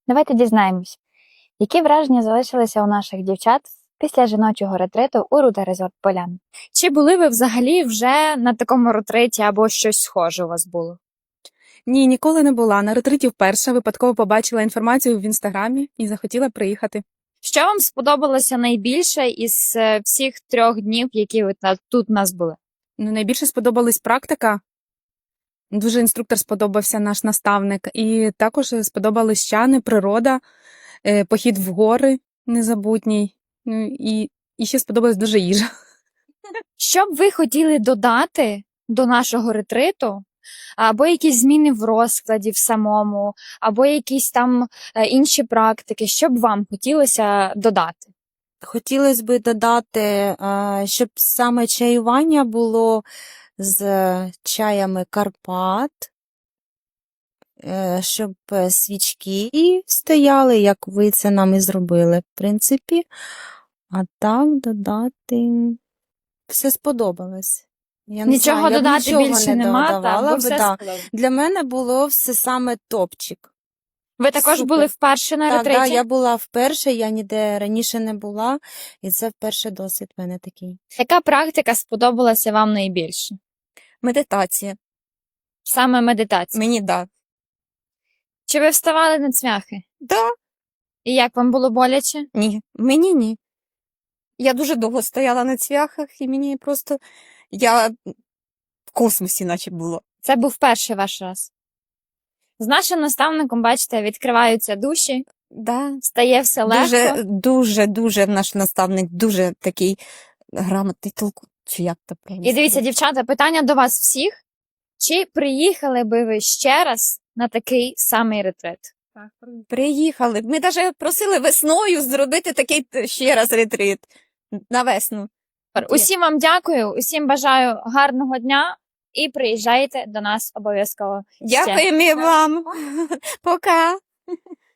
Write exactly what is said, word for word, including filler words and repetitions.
Давайте дізнаємось, які враження залишилися у наших дівчат після жіночого ретриту у Руда Резорт Полян. Чи були ви взагалі вже на такому ретриті або щось схоже у вас було? Ні, ніколи не була. На ретриті вперше випадково побачила інформацію в інстаграмі і захотіла приїхати. Що вам сподобалося найбільше із е, всіх трьох днів, які ви та- тут у нас були? Ну, найбільше сподобалась практика. Дуже інструктор сподобався, наш наставник. І також сподобались чани, природа, е, похід в гори незабутній. Ну, і, і ще сподобалась дуже їжа. Що б ви хотіли додати до нашого ретриту? Або якісь зміни в розкладі в самому, або якісь там е, інші практики, що б вам хотілося додати? Хотілося б додати, е, щоб саме чаювання було з чаями Карпат, е, щоб е, свічки стояли, як ви це нам і зробили, в принципі. А так додати все сподобалось. Я не Нічого знаю, я б додати нічого більше не нема, додавала так, бо би, все да. сказали. Для мене було все саме топчик. Ви також Супер. були вперше на Так, ретриті? да, я була вперше, я ніде раніше не була, і це вперше досвід в мене такий. Яка практика сподобалася вам найбільше? Медитація. Саме медитація. Мені да. Чи ви вставали на цвяхи? Да, І як вам було боляче? ні. Мені ні. Я дуже довго стояла на цвяхах, і мені просто я в космосі, наче було. Це був перший ваш раз. З нашим наставником, бачите, відкриваються душі, Да. стає все легко. Дуже, дуже, дуже наш наставник, дуже такий грамотний толку. Чи як то правильно І дивіться, сказати? дівчата, питання до вас всіх. Чи приїхали би ви ще раз на такий самий ретрит? Приїхали. Ми навіть просили весною зробити такий ще раз ретрит. На весну. Усім вам дякую, усім бажаю гарного дня і приїжджайте до нас обов'язково. ще. Дякуємо вам. Пока.